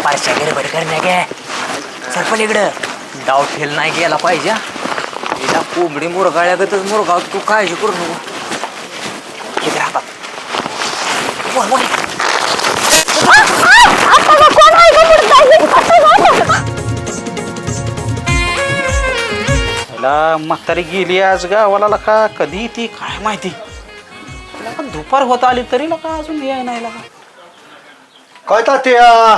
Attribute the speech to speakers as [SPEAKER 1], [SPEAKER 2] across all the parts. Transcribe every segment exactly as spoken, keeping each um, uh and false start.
[SPEAKER 1] पारशा गडबड करण्या गे सरपण इकडं डाव ठेल नाही गेला पाहिजे हिला कोंबडी मुरगाळ्यागतच मुरगाव तू काळजी करू नको किती राहतात बोल बोल
[SPEAKER 2] म्हातारी गेली आज गावाला का कधी ती काय माहिती दुपार होत आली तरी का अजून याय नाही का
[SPEAKER 3] काय तात्या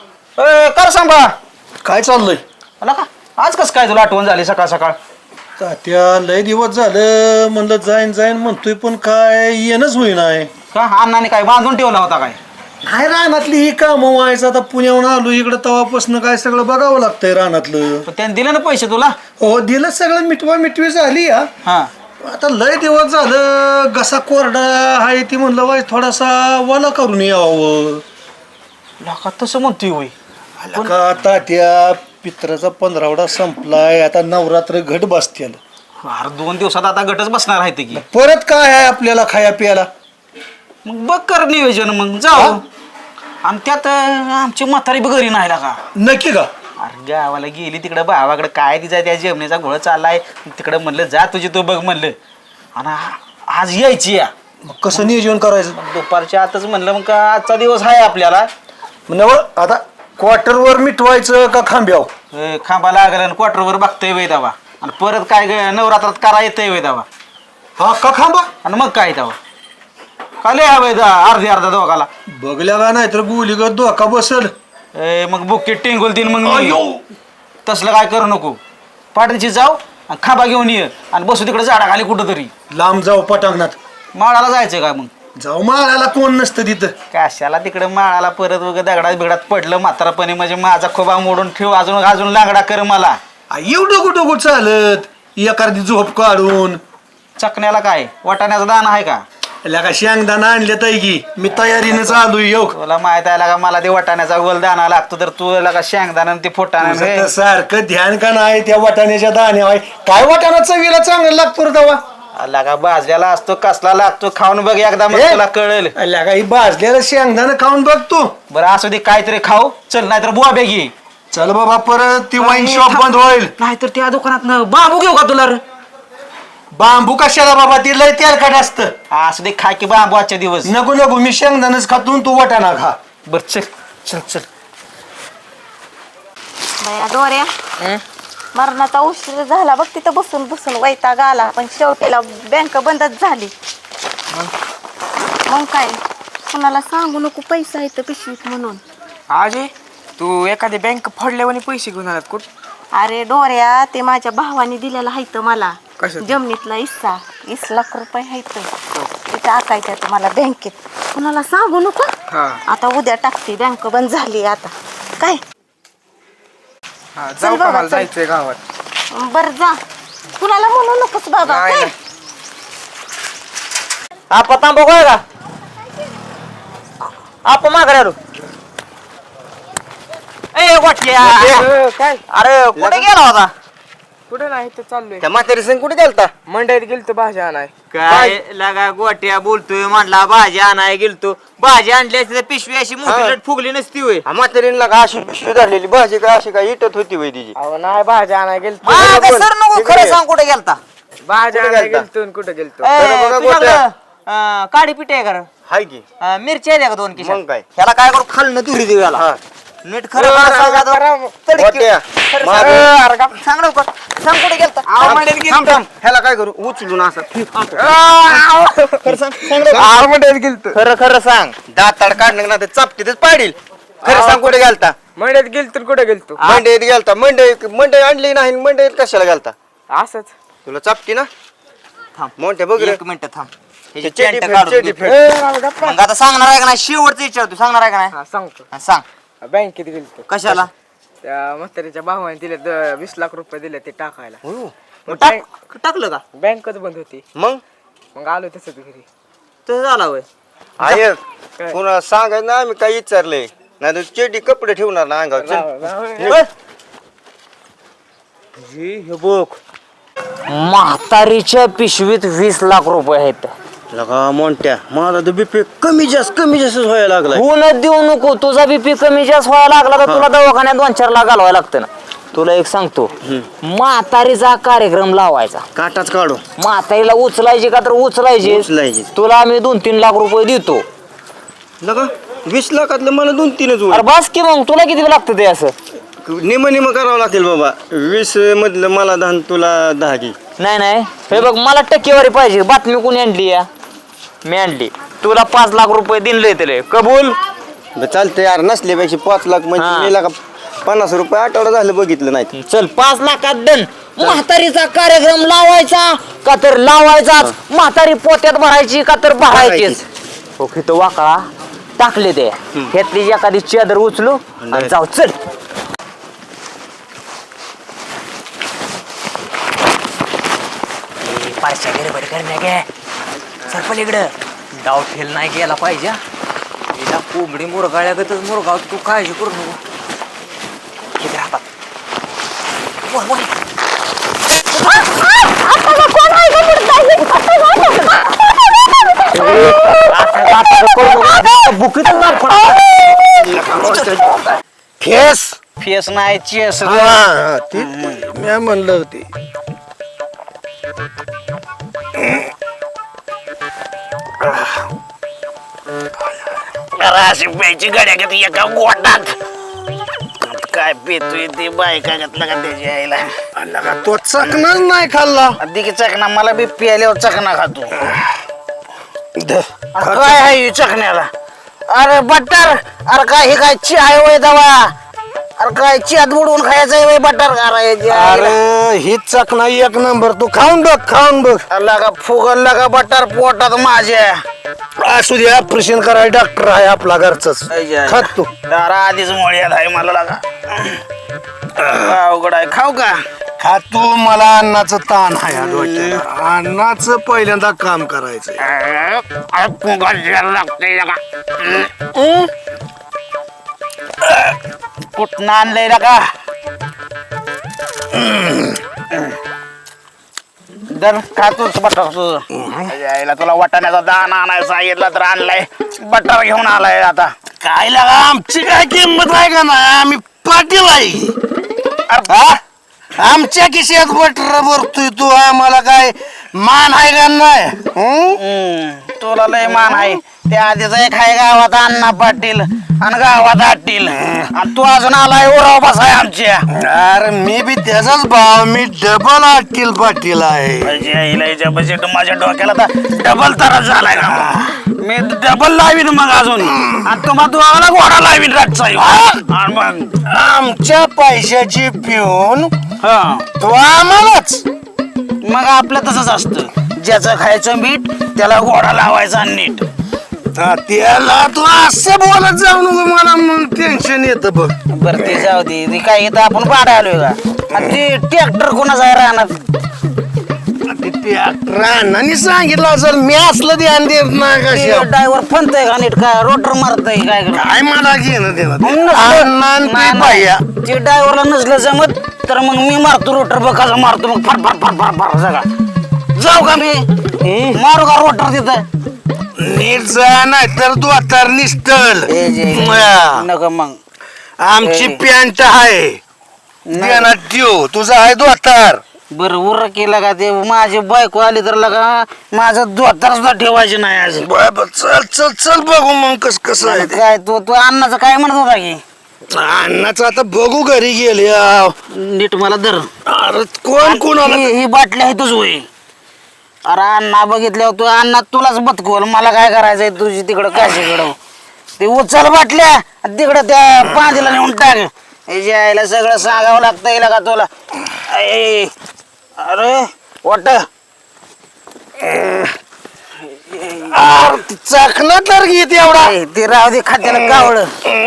[SPEAKER 2] कर सांगा
[SPEAKER 3] काय चाललंय
[SPEAKER 2] मला का आज कस काय तुला आठवण झाली सकाळ सकाळ
[SPEAKER 3] तात्या लय दिवस झालं म्हणलं जाईन जाईन म्हणतोय पण काय येणंच होईना
[SPEAKER 2] का अण्णाने काय बांधून ठेवला होता काय
[SPEAKER 3] नाही रानातली ही कामं व्हायचं आता पुण्याहून आलो इकडं तवापासून काय सगळं बघावं लागतंय रानातलं
[SPEAKER 2] त्याने दिलं ना पैसे तुला
[SPEAKER 3] हो दिलं सगळं मिटवा मिटवी झाली हा
[SPEAKER 2] हा
[SPEAKER 3] आता लय दिवस झालं घसा कोरडा आहे ती म्हणलं वाय थोडासा वाला करून यावं
[SPEAKER 2] का तसं म्हणतोय होय
[SPEAKER 3] का तात्या पित्राचा पंधरावडा संपलाय आता नवरात्र घट बसतील
[SPEAKER 2] अरे दोन दिवसात आता गटच बसणार आहे ते की
[SPEAKER 3] परत काय आहे आपल्याला खाया प्यायला
[SPEAKER 2] मग बघ कर नियोजन मग जाऊ आणि त्यात आमची म्हातारी बी घरी नाही का
[SPEAKER 3] नक्की का
[SPEAKER 2] अरे गावाला गेली तिकडे भावाकडे काय तिचा त्या जेवण्याचा घोळ चाललाय तिकडे म्हणलं जा तुझी तू बघ म्हणलं आणि आज यायची या
[SPEAKER 3] मग कसं नियोजन करायचं
[SPEAKER 2] दुपारच्या आताच म्हणलं मग का आजचा दिवस आहे आपल्याला
[SPEAKER 3] नव आता क्वार्टरवर मिटवायचं का खांब्याव
[SPEAKER 2] खांबा लागला आणि क्वार्टरवर बघतोय वय दावा आणि परत काय नवरात्रात करा येतोय वय दावा
[SPEAKER 3] हा का खांबा
[SPEAKER 2] आणि मग काय दावा खाली हवंय अर्धी अर्धा दोघाला
[SPEAKER 3] बघल्या का नाही तर गुलीगत धोका बसल
[SPEAKER 2] मग बुकेट टिंगूल दिन मग तसलं काय करू नको पाठीची जाऊ आणि खांबा घेऊन ये आणि बसू तिकडे झाडाखाली कुठं तरी
[SPEAKER 3] लांब जाऊ पटांगणात
[SPEAKER 2] माळाला जायचं काय मग
[SPEAKER 3] जाऊ माळाला कोण नसतं तिथं
[SPEAKER 2] कशाला तिकडे माळाला परत वगैरे दगडात बिगडात पडलं म्हातारापणे म्हणजे माझा खोबा मोडून ठेव अजून अजून लांगडा कर मला
[SPEAKER 3] एवढं कुठं कुठं चालत एखादी झोप काढून
[SPEAKER 2] चकण्याला काय वाटाण्याचा दाना आहे का
[SPEAKER 3] का शेंगदाणा आणले ताई की मी तयारीनं चालू येऊ
[SPEAKER 2] तुला माहित आहे का मला ते वाटाण्याचा गोल दाना लागतो तर तू का शेंगदाणा ते फोटाणा
[SPEAKER 3] सारखं ध्यान का नाही त्या वाटाण्याच्या दाण्या काय वाटाणा चवीला चांगला लागतो रे तवा
[SPEAKER 2] आला का भाजलेला असतो कसला लागतो खाऊन बघ एकदा मग तुला कळेल
[SPEAKER 3] का ही भाजलेलं शेंगदाणा खाऊन बघ तू
[SPEAKER 2] बरं असू दे काहीतरी खाऊ चल नाही तर बुवा बेगी
[SPEAKER 3] चल बाबा परत ती वाईन शॉप बंद होईल
[SPEAKER 2] नाहीतर त्या दुकानात बांबू घेऊ का तुला
[SPEAKER 3] बांबू कशाला बाबा ती लय तेलकट असतं
[SPEAKER 2] असू दे खा की बांबू आजच्या दिवस
[SPEAKER 3] नको नको मी शेंगदाणच खातून तू वाटाणा खा
[SPEAKER 2] बर चल चल चल
[SPEAKER 4] दोऱ्या मरणाचा उशीर झाला बघ तिथं बसून बसून वैताग आला पण शेवटीला बँक बंदच झाली मग काय कुणाला सांगू नको पैसा येतं पिशवीत म्हणून
[SPEAKER 1] आजे तू एखादी बँक फोडल्यावर पैसे घेऊन आलात कुठ
[SPEAKER 4] अरे डोऱ्या ते माझ्या भावाने दिलेला हायत मला जमिनीतला हिस्सा वीस लाख रुपये हायत ते टाकायचं मला बँकेत कुणाला सांगू नको आता उद्या टाकते बँक बंद झाली आता काय
[SPEAKER 1] जाऊ का मला जायचंय गावात
[SPEAKER 4] बर जा कुणाला म्हणू नकोस बाबा काय
[SPEAKER 1] आपा तांबा काय का आप माघारी आलो ए वाटल्या
[SPEAKER 5] काय
[SPEAKER 1] अरे कुठे गेला होता
[SPEAKER 5] कुठे नाही तर चाललोय
[SPEAKER 1] त्या म्हातारी संग कुठे गेलता
[SPEAKER 5] मंडईत गेलतो भाज्या आणाय
[SPEAKER 1] काय लागा गोट्या बोलतोय म्हणला भाजी आणाय गेलतो भाजी आणली असती तर पिशवी अशी मोठी लट फुगली नसती होय
[SPEAKER 6] म्हातारीला का अशी पिशवी धरलेली भाजी का अशी काय इटत होती वय तिची
[SPEAKER 5] अहो नाही भाज्या आणाय गेलतो
[SPEAKER 1] मागं सर नको खरं सांग कुठे गेलता
[SPEAKER 5] भाज्या आणाय गेलतो आणि कुठे गेलतो
[SPEAKER 1] ए, तुझ्याकडं, अं, काळी पिठी आहे का
[SPEAKER 6] हाय की
[SPEAKER 1] अं, मिरची आहे का दोन
[SPEAKER 6] मग
[SPEAKER 1] किशन
[SPEAKER 6] काय?
[SPEAKER 1] ह्याला काय करू खाल्लं दुरी देऊ याला नीट खरं मला सांग आता. तडकी.
[SPEAKER 6] गोट्या,
[SPEAKER 1] खरं
[SPEAKER 6] मागं.
[SPEAKER 1] सांग. अरे का- सांग ना उगाच. सांग कुठे गेलता
[SPEAKER 6] थांब थांब ह्याला काय करू उचलून असं
[SPEAKER 1] खरं सांग सांग रे.
[SPEAKER 5] मंडईत गेलतो
[SPEAKER 6] खरं खरं सांग दाताड काढणं ना ते चापटीतच पाडील खरं सांग कुठे गेलता
[SPEAKER 5] मंडईत गेलतो आणि कुठे गेलतो
[SPEAKER 6] मंडईत गेलता मंडई मंडई आणली नाही मंडईत कशाला गेलता
[SPEAKER 5] असंच
[SPEAKER 6] तुला चापटी ना
[SPEAKER 1] थांब.
[SPEAKER 6] मोठे बघ रे
[SPEAKER 1] एक मिनिट थांब ह्याची
[SPEAKER 6] चेटी
[SPEAKER 1] पेंट
[SPEAKER 6] फेड,
[SPEAKER 1] काढून
[SPEAKER 6] चेटी
[SPEAKER 1] घे.
[SPEAKER 6] फेड.
[SPEAKER 5] ए, राव, गप्पा.
[SPEAKER 1] मग आता सांगणार आहे का नाही शेवटचं विचारतो सांगणार आहे का नाही
[SPEAKER 5] हा सांगतो
[SPEAKER 1] हा, सांग
[SPEAKER 5] बँकेत गेलतो
[SPEAKER 1] कशाला
[SPEAKER 5] त्या म्हातारीच्या भावाने दिले द- वीस लाख रुपये दिले ते टाकायला
[SPEAKER 1] मग टाक- टाकलं का
[SPEAKER 5] बँकच बंद होती
[SPEAKER 6] मग
[SPEAKER 5] मग आलो तसंच घरी
[SPEAKER 1] तसं झाला होय
[SPEAKER 6] आहे
[SPEAKER 5] काय?
[SPEAKER 6] पुन्हा सांगायचं ना आम्ही काही विचारलंय नाही तर चेटी कपडे ठेवणार ना अंगावर चल.
[SPEAKER 5] राव, राव,
[SPEAKER 1] होय. हे बघ म्हातारीच्या पिशवीत वीस लाख रुपये आहेत
[SPEAKER 6] लगा मोठ्या माझा तर बीपी कमी जास्त कमी जास्त व्हायला लागलाय
[SPEAKER 1] होऊनच देऊ नको. तुझा बीपी कमी जास्त व्हायला लागला तर तुला दवाखान्यात दोन चार लाख घालवायला लागतं ना. तुला एक सांगतो, म्हातारीचा कार्यक्रम लावायचा.
[SPEAKER 6] काटाच काढू
[SPEAKER 1] म्हातारीला उचलायची का तर उचलायची.
[SPEAKER 6] उचलायची.
[SPEAKER 1] तुला आम्ही दोन तीन लाख रुपये देतो.
[SPEAKER 6] लगा वीस लाखातलं मला दोन तीनच
[SPEAKER 1] अरे बस की मग तुला किती लागतं ते असं.
[SPEAKER 6] निम निम करावं लागेल बाबा. वीस मधलं मला दहा तुला दहा घे.
[SPEAKER 1] नाही नाही हे बघ मला टक्केवारी पाहिजे. बातमी कोणी आणली या? मी आणली. तुला पाच लाख रुपये दिले त्याला कबूल.
[SPEAKER 6] चालतंय यार नसल्यापेक्षा पाच लाख
[SPEAKER 1] हा.
[SPEAKER 6] म्हणजे मी लागा पन्नास रुपये आठवडा झालं बघितलं नाही.
[SPEAKER 1] चल पाच लाखात दन. म्हातारीचा कार्यक्रम लावायचा का तर लावायचाच. म्हातारी पोत्यात भरायची का तर भरायचीच. ओके तो वाका टाकले ते घेतली एखादी चादर उचलू आणि जाऊ. चल पारशा गडबड करण्या गे सरपल इकडं डाव ठेल नाही गेला पाहिजे. हिला कोंबडी मुरगाळ्यागतच मुरगाव तू काळजी करू नको. किती राहतात वर वर.
[SPEAKER 3] फेस
[SPEAKER 2] फेस नाही चेस.
[SPEAKER 3] हा ती मी म्हणलं होती.
[SPEAKER 2] अशी प्यायची गड्या घेते एका गोटात. काय पितोय ते बायका घातला का त्याची आईला.
[SPEAKER 3] लगा तो चकनाच नाही खाल्ला.
[SPEAKER 2] अधिक चकना मला बी प्यायल्यावर चकना खातो. अरे काय आहे चकण्याला. अरे बटर अरे काय हे काय ची आहे वय दवा. अरे काय चियात बुडवून खायचं वय बटर करायची.
[SPEAKER 3] अरे ही चकना एक नंबर. तू खाऊन बघ खाऊन बघ.
[SPEAKER 2] लगा फुगल लगा बटर पोटात माझ्या.
[SPEAKER 3] असू दे ऑपरेशन कराय डॉक्टर आहे आपला घरचाच. खात तू.
[SPEAKER 2] दारा आधीच मोळ्यात आहे मला लगा. अवघड आहे खाऊ का.
[SPEAKER 3] खा तू. मला अन्नाचं ताण आहे डोक्याला. अन्नाचं पहिल्यांदा काम करायचं.
[SPEAKER 2] लागतंय लगा. कुठं आणलंय लगा. दर खातोच बटर तुझं. यायला तुला वाटाण्याचा दाना आणायला सांगितलं तर आणलाय. बटर घेऊन आलाय आता.
[SPEAKER 3] काय लागा आमची काय किंमत आहे का ना. आम्ही पाटील आहे. आमच्या खिशात बटर भरतोय तू. आम्हाला काय मान आहे का नाही.
[SPEAKER 2] हम्म, तुला लय मान आहे. त्या आधीच एक आहे गावात अण्णा पाटील आणि गावात आटील. आणि तू अजून आलाय उराव बसाय आमच्या.
[SPEAKER 3] अरे मी बी त्याचाच भाव. मी डबल आटील पाटील आहे.
[SPEAKER 2] बजेट माझ्या डोक्याला तर डबल तरच झालाय का. मी डबल लावीन मग अजून. आणि तुम्हाला तुम्हाला घोडा लावीन रातचा. मग
[SPEAKER 3] आमच्या पैशाची पिऊन
[SPEAKER 2] हा
[SPEAKER 3] तो आम्हालाच.
[SPEAKER 2] मग आपलं तसंच असतं. ज्याचं खायचं मीठ त्याला घोडा लावायचा नीट.
[SPEAKER 3] हा, त्याला तू असं बोलत जाऊ नको. मला टेन्शन येतं बघ.
[SPEAKER 2] बर ते जाऊ दे. ते काय इथं आपण पाडा आलोय का. आणि ते ट्रॅक्टर कोणाचा आहे राहणार.
[SPEAKER 3] रानाने सांगितलं असेल. मी असलं ध्यान देत नाही कशा.
[SPEAKER 2] ड्रायव्हर फनतय का नीट काय रोटर मारतय काय
[SPEAKER 3] काय मला घेणं देणं ते.
[SPEAKER 2] नसलं-
[SPEAKER 3] अण्णा आणि
[SPEAKER 2] नाही,
[SPEAKER 3] ते
[SPEAKER 2] नाही.
[SPEAKER 3] बाया.
[SPEAKER 2] ते ड्रायव्हरला नसलं जमत तर मग मी मारतो रोटर बघ कसा मारतो. मग फर फर फर फर फर सगळा. जाऊ का मी मारू का रोटर तिथं.
[SPEAKER 3] नीट जा नाही तर तू आता निसटल.
[SPEAKER 2] नको मग.
[SPEAKER 3] आमची
[SPEAKER 2] ए.
[SPEAKER 3] पॅन्ट आहे. ध्यानात ठेव. तुझा आहे दोतार.
[SPEAKER 2] बर उर केला का ते माझी बायको आली तर लगा माझं दोतर सुद्धा ठेवायचे नाही आज.
[SPEAKER 3] चल चल चल बघू मग कस कसं आहे ते.
[SPEAKER 2] काय तू तू अन्नाचं काय म्हणत होता की.
[SPEAKER 3] अन्नाचं आता बघू घरी गेले.
[SPEAKER 2] नीट मला धर.
[SPEAKER 3] अरे कोण कोणाला.
[SPEAKER 2] ही ही बाटली आहे तुझ होय. अरे अण्णा बघितल्यावर तू अण्णा तुलाच बदकवल. मला काय करायचंय तुझी तिकडं काशीकडं. ते उचल बाटल्या तिकडं त्या पांदीला नेऊन टाक. हे जे आईला सगळं सांगावं लागतं येईल का तुला. ए, अरे वाट
[SPEAKER 3] चखना तर घेत एवढा.
[SPEAKER 2] ते राहू दे खात्याला कावळ.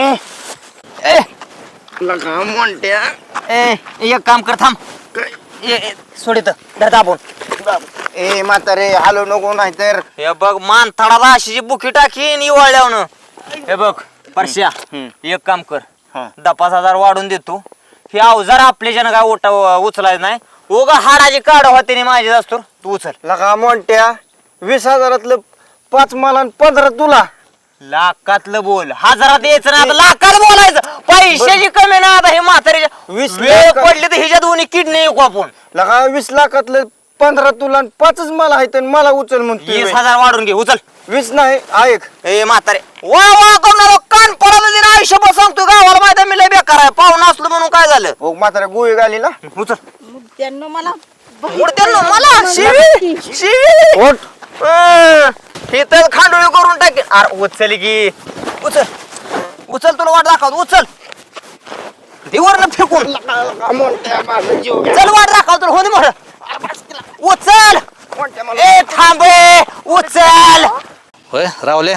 [SPEAKER 6] म्हणत्या
[SPEAKER 1] ए एक काम कर थांब. ए, ए, सोड इथं धर दाबून.
[SPEAKER 6] ए म्हातारे हालो नको नाही तर.
[SPEAKER 1] हे बघ मान थडाला अशी बुकी टाकीन इवाळल्यावनं. हे बघ परश्या एक काम कर. दहा पाच हजार वाढून देतो. हे अवजार आपल्याच्यानं काय ओटा उचलायचं नाही. उगा हाडाची काढ होते माझी असतो. तू उचल.
[SPEAKER 6] लगा म्हणत्या
[SPEAKER 3] वीस हजारातलं पाच मला आणि पंधरा तुला.
[SPEAKER 1] लाखातलं बोल, हजारात यायचं ना, आता लाखात बोलायचं. पैशाची कमी ना आता हे म्हातारीच्या
[SPEAKER 3] वीस
[SPEAKER 1] वेळ
[SPEAKER 3] लाख-
[SPEAKER 1] पडली तर ह्याच्या दोन्ही किडनी ऐकू आपण.
[SPEAKER 3] लगा वीस लाखातलं पंधरा तुला आणि पाचच मला आहेत आणि मला उचल म्हणतोय.
[SPEAKER 1] वीस हजार वाढून घे, उचल.
[SPEAKER 3] वीस नाही ऐक.
[SPEAKER 1] ए म्हातारे वा वा करणार कान पडायला दिन आयुष्यभर सांगतो गावाला माहिती आहे मी लय बेकार आहे, पाहुणा असलो म्हणून काय झालं.
[SPEAKER 3] हो म्हाताऱ्या गोळी घाली ना.
[SPEAKER 1] उचल.
[SPEAKER 4] त्यांना मला
[SPEAKER 1] उडत्यानं मला शिवी शिवी
[SPEAKER 3] ओट.
[SPEAKER 1] अं, हे तर खांडोळी करून टाकेल. अरे उचल की, उचल उचल, तुला वाट दाखव, उचल. देवर फेकून चल, वाट दाखव तुला, हो दे मोठं. उचल. ए थांबे, उचल.
[SPEAKER 7] होय रावले,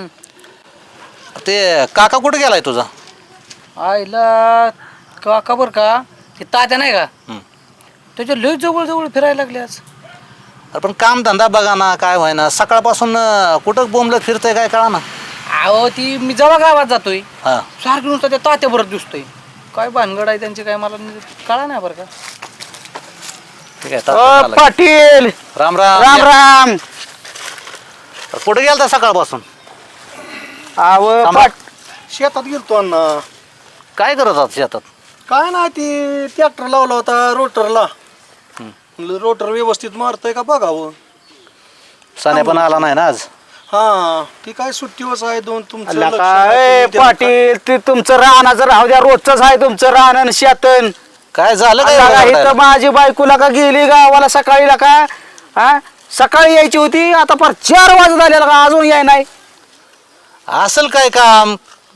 [SPEAKER 7] ते काका कुठे गेलाय तुझा?
[SPEAKER 2] आईला काका बर का हे तात्या नाही का त्याच्या लय जवळ जवळ फिरायला लागले आज.
[SPEAKER 7] अरे पण काम धंदा बघा ना, काय व्हाय ना, सकाळपासून अं, कुठं बोंबलत फिरतय काय कळा ना.
[SPEAKER 2] अहो ती मी जेव्हा गावात जातोय
[SPEAKER 7] हा
[SPEAKER 2] सारखं नुसतं त्या तात्या बरं दिसतोय. काय भानगड आहे त्यांची काय मला कळा नाही बरं का.
[SPEAKER 7] ठीक आहे, तात्या आला.
[SPEAKER 3] पाटील
[SPEAKER 7] राम राम
[SPEAKER 3] राम राम.
[SPEAKER 7] कुठे गेलता सकाळपासून?
[SPEAKER 3] आव
[SPEAKER 7] थांबा.
[SPEAKER 3] पाट शेतात गेलतो अण्णा.
[SPEAKER 7] काय करत आहात शेतात?
[SPEAKER 8] काय नाही ती ट्रॅक्टर लावला होता रोटरला. रोटर व्यवस्थित मारतोय का बघावं.
[SPEAKER 7] साने पण आला नाही ना आज.
[SPEAKER 8] हा ती काय सुट्टीवरच आहे दोन तुमचं लक्ष
[SPEAKER 3] लका
[SPEAKER 8] नाही,
[SPEAKER 3] ए
[SPEAKER 8] तुम्ही त्याला
[SPEAKER 3] पाटील ते तुमचं रानाचं राहू द्या, रोजच आहे तुमचं रान आणि शेतन.
[SPEAKER 7] काय झालं काय
[SPEAKER 3] लका
[SPEAKER 7] रडायला?
[SPEAKER 3] इथं माझी बायकोला का गेली गावाला सकाळी लका. हा सकाळी यायची होती, आता फार चार वाजत आले का अजून याय नाही.
[SPEAKER 7] असेल काय काम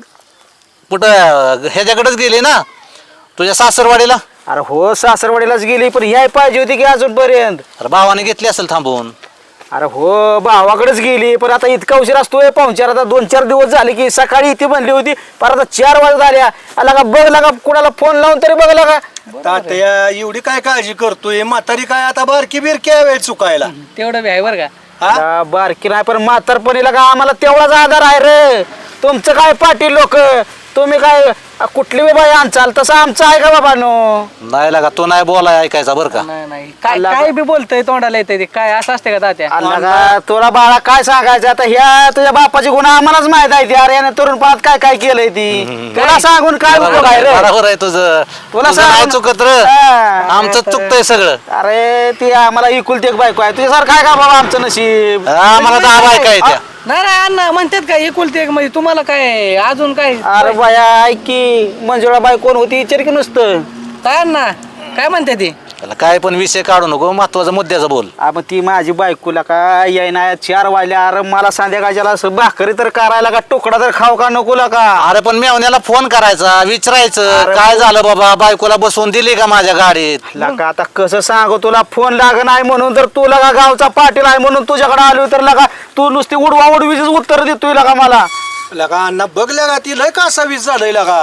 [SPEAKER 7] कुठं ह्याच्याकडेच गेली ना तुझ्या सासरवाडीला?
[SPEAKER 3] अरे हो सासरवाडीलाच गेली, पण याय पाहिजे होती की अजूनपर्यंत.
[SPEAKER 7] अरे भावाने घेतली असेल थांबवून.
[SPEAKER 3] अरे हो भावाकडेच गेली, पण आता इतका उशीर असतोय पाहुणचार. आता दोन चार दिवस झाले की सकाळी इथे बनली होती, पण आता चार वाजत आल्या. आला का बघ लागा, कुणाला फोन लावून तरी बघ लागा.
[SPEAKER 8] तात्या एवढी काय काळजी करतोय, म्हातारी काय आता बारकी बिरकी आहे वेळ चुकायला.
[SPEAKER 2] तेवढं बी आहे बरं का.
[SPEAKER 8] हा?
[SPEAKER 3] बारकी नाही, पण म्हातारपणीला का आम्हाला तेवढाच आधार आहे रे. तुमचं काय पाटील लोक, तुम्ही काय कुठली बी बाई आणचाल तसं आमचं आहे का बाबा नो.
[SPEAKER 7] नाही लागा, तो नाही बोलाय ऐकायचा बरं का.
[SPEAKER 2] नाही नाही काय काय बी बोलतय तोंडाला येतंय ते काय असं असते का तात्या.
[SPEAKER 3] का तुला बाळा काय सांगायचं आता, ह्या तुझ्या बापाची गुन्हा आम्हालाच माहित आहे ती. अरे याने तरुणपणात काय काय केलंय ती, तुला सांगून काय उपयोग आहे रे.
[SPEAKER 7] बरोबर आहे तुझं.
[SPEAKER 3] तुला
[SPEAKER 7] तुझं नाही
[SPEAKER 3] सांग-
[SPEAKER 7] चुकत र,
[SPEAKER 3] हा.
[SPEAKER 7] आमचं चुकतंय सगळं.
[SPEAKER 3] अरे ती आम्हाला इकुलती एक बायको आहे, तुझ्यासारखं आहे का बाबा आमचं नशीब.
[SPEAKER 7] आम्हाला दहा बायका आहेत त्या.
[SPEAKER 2] नाही नाही अण्णा म्हणतात काय एकुलते एक म्हणजे तुम्हाला काय अजून काय
[SPEAKER 3] अरे बाया ऐक की, मंजुळा बाई कोण होती विचार की नुसतं.
[SPEAKER 2] काय अण्णा काय म्हणते ती.
[SPEAKER 7] त्याला काय पण विषय काढू नको, महत्वाचा मुद्द्याचा बोल.
[SPEAKER 3] आपण ती माझी बायकोला का याय ना चार वाजल्या. अरे मला संध्याकाळच्याला असं भाकरी तर करायला का, तुकडा तर खाऊ का नको का.
[SPEAKER 7] अरे पण मेवण्याला फोन करायचा, विचारायचं काय झालं बाबा, बायकोला बसवून दिली का माझ्या गाडीत.
[SPEAKER 3] लका आता कसं सांगू तुला, फोन लाग नाही म्हणून तर तुला का गावचा पाटील आहे म्हणून तुझ्याकडे आलो तर लका तू नुसती उडवा उडवीच उत्तर देतोय लका मला.
[SPEAKER 8] लगा अण्णा बघल्या का ती लय कासा वीज झालंय लगा.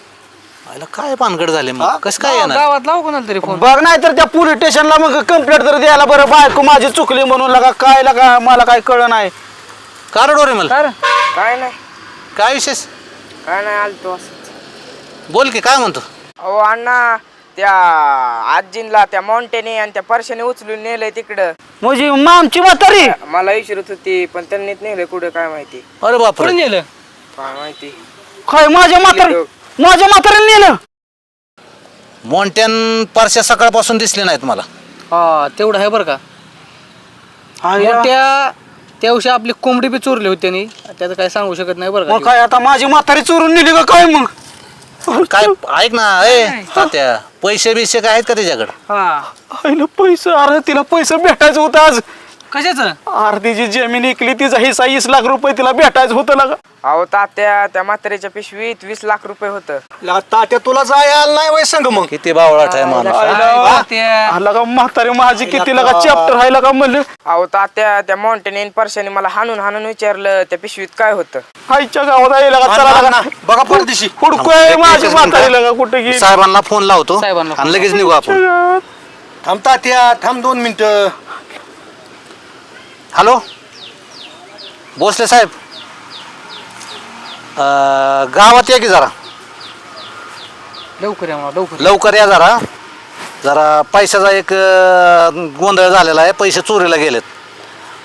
[SPEAKER 7] आयला काय पानगड झाले मग, कसं काय येणार?
[SPEAKER 2] गावात लावू कोणाला तरी फोन.
[SPEAKER 3] बघ नाही तर त्या पोलीस स्टेशनला मग कंप्लेंट तर द्यायला बरं, बायको माझी चुकली म्हणून लका काय लका मला काय कळलं नाही.
[SPEAKER 7] कार डोरे मला
[SPEAKER 5] काय नाही
[SPEAKER 7] काय विशेष
[SPEAKER 5] काय नाही आलतो असंच.
[SPEAKER 7] बोल की, काय म्हणतो?
[SPEAKER 5] अहो अण्णा त्या आजींला त्या माउंटेने आणि त्या परशाने उचलून नेलंय तिकडं.
[SPEAKER 3] म्हणजे आमची म्हातारी
[SPEAKER 5] मला विचारत होती पण त्यांनीच नेलंय कुठं काय माहिती.
[SPEAKER 7] अरे बापरे,
[SPEAKER 2] कोण नेलं.
[SPEAKER 5] काय माहिती.
[SPEAKER 3] काय माझ्या म्हातारी माझ्या म्हातारीला नेलं.
[SPEAKER 7] मोंट्यान परश्या सकाळपासून दिसले नाहीत मला.
[SPEAKER 2] हा तेवढं आहे बरं का. मोठ्या त्या दिवशी आपली कोंबडी बी चोरली होती त्यांनी, त्याचं काय सांगू शकत नाही बरं
[SPEAKER 3] मग
[SPEAKER 2] का.
[SPEAKER 3] काय आता माझी म्हातारी चोरून नेली का काय मग.
[SPEAKER 7] काय ऐक ना, ए तात्या, पैसे बिशे काय आहेत का त्याच्याकडे?
[SPEAKER 2] हा
[SPEAKER 3] आईला पैसे, अरे तिला पैसे भेटायचं होतं आज.
[SPEAKER 2] कशाचं.
[SPEAKER 3] अरे तिची जमीन इकली, तिचा हिस्सा वीस लाख रुपये तिला भेटायचं होतं ना.
[SPEAKER 5] अहो तात्या त्या म्हातारीच्या पिशवीत वीस लाख रुपये होतं.
[SPEAKER 8] लगा तात्या तुला जाय आलं नाही वय संग मग.
[SPEAKER 7] किती बावळाट आहे माणूस.
[SPEAKER 3] आला का म्हातारी माझी किती लगा चॅप्टर राहिला का म्हणलं.
[SPEAKER 5] अहो तात्या त्या माउंटेन परशाने मला हाणून हाणून विचारलं त्या पिशवीत काय होतं.
[SPEAKER 3] आईच्या गावात यायला का चला लगा
[SPEAKER 8] बघा परदेशी.
[SPEAKER 3] हुडकोय माझी म्हातारी लगा कुठे गेली.
[SPEAKER 7] साहेबांना फोन लावतो
[SPEAKER 2] साहेबांना
[SPEAKER 7] आणि लगेच निघू आपण.
[SPEAKER 8] थांब तात्या थांब दोन मिनिटं.
[SPEAKER 7] हॅलो भोसले साहेब, अं, गावात या की जरा
[SPEAKER 2] लवकर या मला लवकर.
[SPEAKER 7] लवकर या जरा. जरा पैशाचा एक अं, गोंधळ झालेला आहे, पैसे चोरीला गेलेत.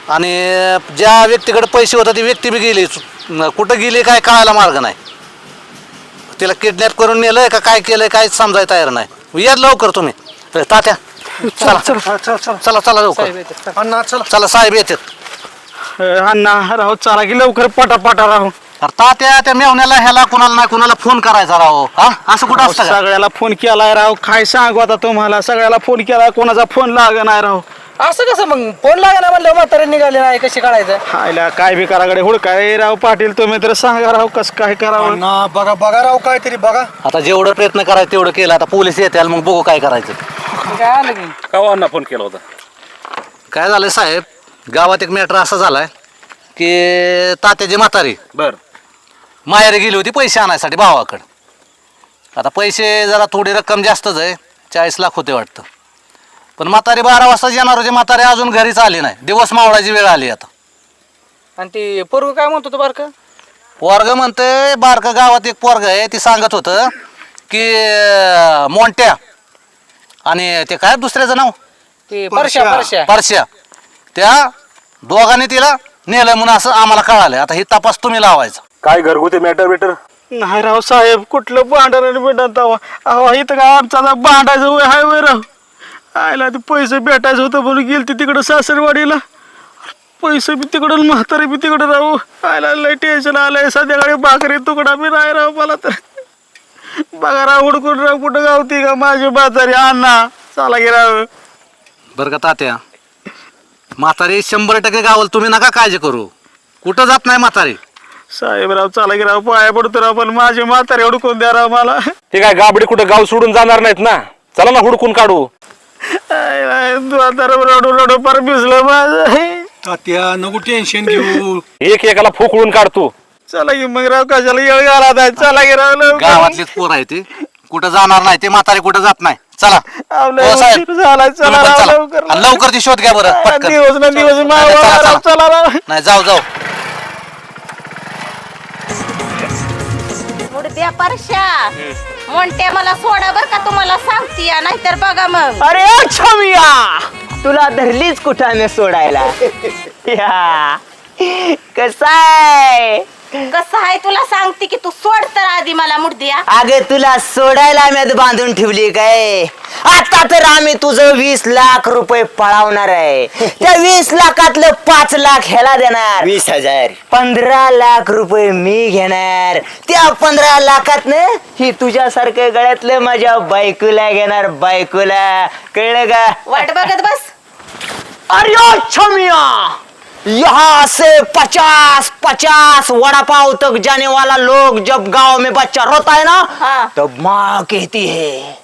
[SPEAKER 7] आणि ज्या व्यक्तीकडे पैसे होते ती व्यक्ती बी गेली कुठं गेली काय कळायला मार्ग नाही. तिला किडनॅप करून नेलंय का काय केलंय काय समजायला तयार नाही. या लवकर तुम्ही. ए, तात्या चला
[SPEAKER 8] हा, चल चल
[SPEAKER 7] चला चला लवकर.
[SPEAKER 8] अण्णा चला
[SPEAKER 7] चला साहेब येतात.
[SPEAKER 3] अण्णा राहू चला की लवकर पटापटा राहू.
[SPEAKER 7] अरे तात्या त्या मेवण्याला ह्याला कुणाला नाही कुणाला फोन करायचा राव. हा असं कुठं असतं का?
[SPEAKER 3] सगळ्याला फोन केलाय राव. काय सांगू आता तुम्हाला. सगळ्याला फोन केलाय कोणाचा फोन लाग नाही राव.
[SPEAKER 6] असं कसं मग फोन लागला म्हणलं म्हातारे निघाले नाही कशी काढायचं.
[SPEAKER 3] हायला काय बी कराकडे हुडकाय राव पाटील तुम्ही तर सांगा राव कसं काय करावं.
[SPEAKER 8] अण्णा बघा बघा राव काहीतरी बघा.
[SPEAKER 7] आता जेवढं प्रयत्न करायचं तेवढं केलं. आता पोलीस येतील मग बघू काय करायचं.
[SPEAKER 6] काय आलं की
[SPEAKER 9] कवांना फोन केला होता?
[SPEAKER 7] काय झालंय साहेब गावात एक मॅटर असा झालाय की तात्याची म्हातारी
[SPEAKER 9] बर
[SPEAKER 7] माहेरी गेली होती पैसे आणायसाठी भावाकडं. आता पैसे जरा थोडी रक्कम जास्तच आहे. चाळीस लाख होते वाटतं. पण म्हातारी बारा वाजता येणार होती. म्हातारी अजून घरीच आली नाही. दिवस मावळाची वेळ आली आता.
[SPEAKER 6] आणि ती पोरग काय म्हणतो तो बारका?
[SPEAKER 7] पोरग म्हणते बारकं गावात एक पोरग आहे ती सांगत होतं की अं, मोंट्या आणि ते काय दुसऱ्याचं नाव
[SPEAKER 6] ती परश्या परश्या
[SPEAKER 7] परश्या त्या दोघांनी तिला नेलं म्हणून असं आम्हाला कळालंय. आता ही तपास तुम्ही लावायचा.
[SPEAKER 9] काय घरगुती मॅटर बिटर?
[SPEAKER 3] नाही राव साहेब कुठलं भांडण आणि बिंडण तवा. अहो इथं काय आमचा आता भांडायचं वय हाय वय राव. आयला ते पैसे भेटायचं होतं म्हणून गेल ते तिकडं सासरवाडीला. पैसे बी तिकडून म्हातारी बी तिकडं राहू. आयला लय टेन्शन आलंय. संध्याकाळी भाकरी तुकडा बी नाही राव मला तर. बघा राव हुडकून राव कुठं गावती का माझी म्हातारी. अण्णा चला गे राव.
[SPEAKER 7] बरं का तात्या म्हातारी शंभर टक्के गावाला. तुम्ही नका काळजी करू. कुठं जात नाही म्हातारी.
[SPEAKER 3] साहेबराव चला की राव पाया पडतो राव पण माझी म्हातारी हुडकून द्या राव मला.
[SPEAKER 9] ते काय गाबडी कुठं गाव सोडून जाणार नाहीत ना. चला ना हुडकून काढू.
[SPEAKER 3] रडू रडू पर भिजलं माझं.
[SPEAKER 8] तात्या नको टेन्शन घेऊ.
[SPEAKER 9] एक एकाला फोकळून काढतो.
[SPEAKER 3] चला की मग राव कशाला येळ घाला आता. चला की राव लवकर.
[SPEAKER 7] गावातलीच पोर आहे ती कुठं जाणार नाही. ते म्हातारी कुठं जात नाही. चला
[SPEAKER 3] आपलं
[SPEAKER 7] हो साहेब.
[SPEAKER 3] उशीर झालाय. चला
[SPEAKER 7] तुम्ही पण
[SPEAKER 3] राव
[SPEAKER 7] चला.
[SPEAKER 3] लवकर.
[SPEAKER 7] आणि लवकर ती शोध घ्या बरं पटकन.
[SPEAKER 3] दिवस ना दिवस
[SPEAKER 7] नाही,
[SPEAKER 3] मावा
[SPEAKER 7] चला,
[SPEAKER 3] राव.
[SPEAKER 7] चला.
[SPEAKER 3] चला राव.
[SPEAKER 7] नाही जाऊ जाऊ.
[SPEAKER 4] मुडद्या परश्या मोंट्या मला सोडा बर का तुम्हाला सांगती नाहीतर बघा मग.
[SPEAKER 1] अरे छमिया तुला धरलीच कुठाने सोडायला. या कसाय
[SPEAKER 4] कसं आहे तुला सांगते की तू सोड तर आधी मला मुडद्या.
[SPEAKER 1] अगे तुला सोडायला आम्ही बांधून ठेवली काय. आता तर आम्ही तुझं वीस लाख रुपये पळावणार आहे. त्या वीस लाखातलं पाच लाख ह्याला देणार. वीस हजार पंधरा लाख रुपये मी घेणार. त्या पंधरा लाखातनं ही तुझ्यासारख्या गळ्यातलं माझ्या बायकोला घेणार. बायकोला कळलं का.
[SPEAKER 4] वाट बघत बस.
[SPEAKER 1] अरे छमिया यहाँ से पचास पचास वड़ा पाव तक जाने वाला लोग जब गांव में बच्चा रोता है ना
[SPEAKER 4] हाँ।
[SPEAKER 1] तब माँ कहती है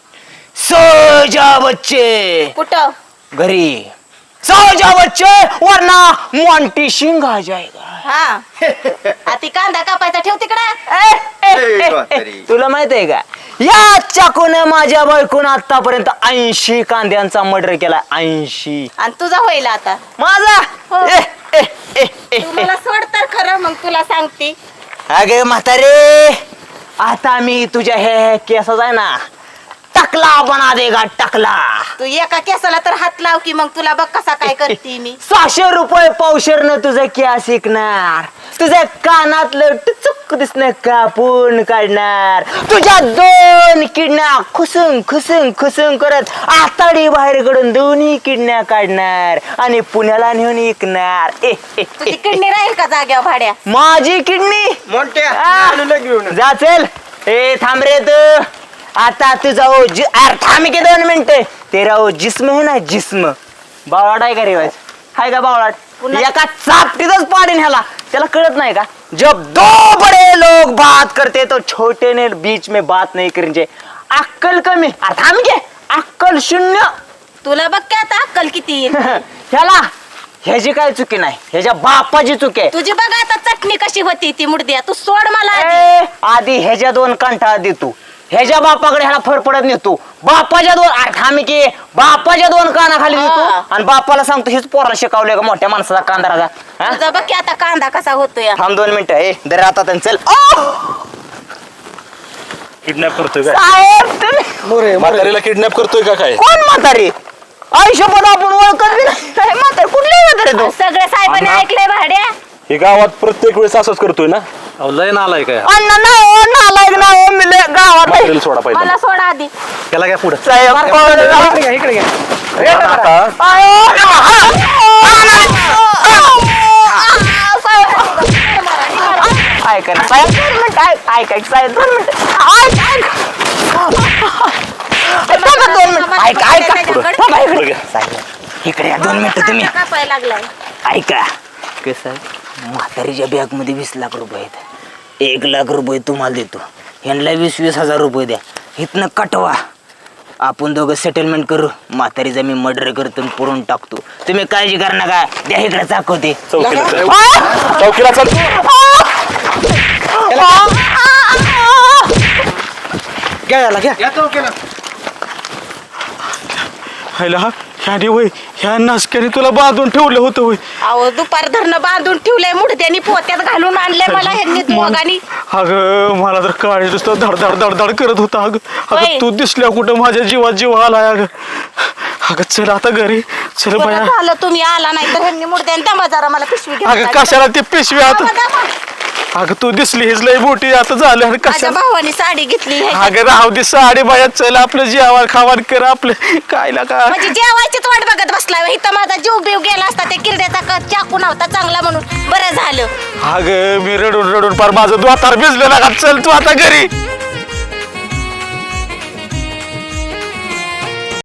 [SPEAKER 1] सो जा बच्चे.
[SPEAKER 4] कुठं
[SPEAKER 1] घरी सो जा बच्चे वरना मोंटी सिंह आ जाएगा.
[SPEAKER 4] हा आती कांदा कापायचा ठेव तिकडे.
[SPEAKER 1] ए, ए, ए, ए, तुला माहित आहे का या चाकूने माझ्या बायकोनं आतापर्यंत ऐंशी कांद्यांचा मर्डर केला. ऐंशी
[SPEAKER 4] आणि तुझा होईल आता.
[SPEAKER 1] माझा
[SPEAKER 4] हो.
[SPEAKER 1] ए, ए, ए, ए,
[SPEAKER 4] तू मला सोड तर खरं मग तुला सांगते.
[SPEAKER 1] अगे म्हातारे आता मी तुझ्या हे केसाच आहे ना टकला बना देगा टकला.
[SPEAKER 4] तू एका केसाला तर हात लाव की मग तुला बघ कसा काय करते मी.
[SPEAKER 1] सहाशे रुपये पावशेरनं तुझं केस शिकणार. तुझ्या कानातलं टुचुक दिसणं कापून काढणार. तुझ्या दोन किडण्या खुसून खुसून खुसून करत आताडी बाहेर कडून दोन्ही किडण्या काढणार आणि पुण्याला नेऊन विकणार. ए, ए,
[SPEAKER 4] तुझी किडनी राहील का जाग्यावर भाड्या.
[SPEAKER 1] माझी किडनी
[SPEAKER 6] मोठ्या
[SPEAKER 1] जा चल. ए थांब रे तू. आता तुझा ओ जि अरे थांब की दोन मिनिटं. तेरा ओ जिस्म है ना जिस्म. बावळाट आहे का रे वाज हाय का बावळाट. एका चापटीतच पाडीन ह्याला. त्याला कळत नाही का जब दो बड़े लोग बात करते तो छोटे ने बीच में बात नहीं करेंगे. अक्कल कमी. अरे थांब घे अक्कल शून्य.
[SPEAKER 4] तुला बघ की आता अक्कल किती येईल.
[SPEAKER 1] ह्याला ह्याची काय चुकी नाही. ह्याच्या बापाची चुकी आहे.
[SPEAKER 4] तुझी बघ आता चटणी कशी होती ती मुडद्या. तू सोड मला आधी.
[SPEAKER 1] ए, आधी ह्याच्या दोन कंठाळा देतो. ह्याच्या बापाकडे ह्याला फरफडत नेतो. बापाच्या दोन अरे थांब की बापाच्या दोन कानाखाली देतो आणि बापाला सांगतो हेच पोराला शिकवलंय का मोठ्या माणसाचा कांदाराचा.
[SPEAKER 4] तुझा बघ की आता कांदा कसा होतोय.
[SPEAKER 1] थांब दोन मिनिटं. ए दर आता चल.
[SPEAKER 9] किडनॅप करतोय काय?
[SPEAKER 1] साहेब तुम्ही
[SPEAKER 9] म्हातारीला किडनॅप करतोय का काय?
[SPEAKER 1] कोण म्हातारी.
[SPEAKER 2] आयुष्यभर आपण ओळखत बी नाही म्हातार कुठले म्हातारे तो
[SPEAKER 4] सगळं साहेबांनी ऐकलंय भाड्या.
[SPEAKER 9] हे गावात प्रत्येक वेळेस असंच करतोय ना.
[SPEAKER 7] अहो लय नालाय काय
[SPEAKER 2] अण्णा नाही हो नालायक ना हो मी लय गावात आहे.
[SPEAKER 9] म्हातारीला सोडा पाहिजे
[SPEAKER 4] मला सोडा आधी.
[SPEAKER 7] त्याला काय पुढं
[SPEAKER 2] साहेब
[SPEAKER 1] इकडे इकडे घ्या.
[SPEAKER 2] ऐका ना साहेब दोन मिनिटं ऐक ऐक ऐक साहेब दोन मिनिटं ऐक ऐक थांबा दोन मिनिटं ऐक ऐका थांबा इकडे
[SPEAKER 9] पुढं घ्या.
[SPEAKER 2] साहेब इकडे या दोन मिनिटं तुम्ही
[SPEAKER 4] कापायला लागलाय.
[SPEAKER 2] ऐका कसं म्हातारीच्या बॅग मध्ये वीस लाख रुपये आहेत एक लाख रुपये तुम्हाला देतो ह्यांना वीस वीस हजार रुपये द्या इथनं कटवा आपण दोघं सेटलमेंट करू म्हातारीचा मी मर्डर करतो आणि पुरून टाकतो तुम्ही काळजी करा नका द्या इकडे चाकवते
[SPEAKER 9] चौकीला चल. चौकीला चल.
[SPEAKER 8] घ्या याला घ्या
[SPEAKER 3] हायला ह्याने वय ह्या नासक्याने तुला बांधून ठेवलं होतं वय.
[SPEAKER 4] अहो दुपार धरणं बांधून ठेवलंय मुडद्यानी पोत्यात घालून आणलंय मला ह्यांनी दोघांनी.
[SPEAKER 3] अगं मला तर काळी नुसतं धड धड धड धड करत होता अगं
[SPEAKER 4] होय.
[SPEAKER 3] अगं तू दिसल्या कुठं माझ्या जीवात जीव आलाय अगं अगं चल आता घरी चल
[SPEAKER 4] बरं
[SPEAKER 3] बाया
[SPEAKER 4] झालं तुम्ही आला नाही तर ह्यांनी मुडद्याने दमा जरा मला पिशवी
[SPEAKER 3] अगं
[SPEAKER 4] घेऊन
[SPEAKER 3] कशाला ती पिशवी आता
[SPEAKER 4] दमा, दमा.
[SPEAKER 3] अगं तू दिसली हीच लय मोठी आता झालं आणि
[SPEAKER 4] माझ्या
[SPEAKER 3] कशाला
[SPEAKER 4] भावानी साडी घेतली ह्याच्यात.
[SPEAKER 3] अगं राहू दे साडी बाया चल आपलं जेवण खावण कर आपलं काय का
[SPEAKER 4] म्हणजे जेवायचीच वाट बघत बसलाय इथं माझा जीव बिव गेला असता त्या किरड्याचा क- चाकू नव्हता चांगला म्हणून बरं झालं.
[SPEAKER 3] अगं मी रडून रडून पार माझं द्वातार भिजलं ना चल तू आता घरी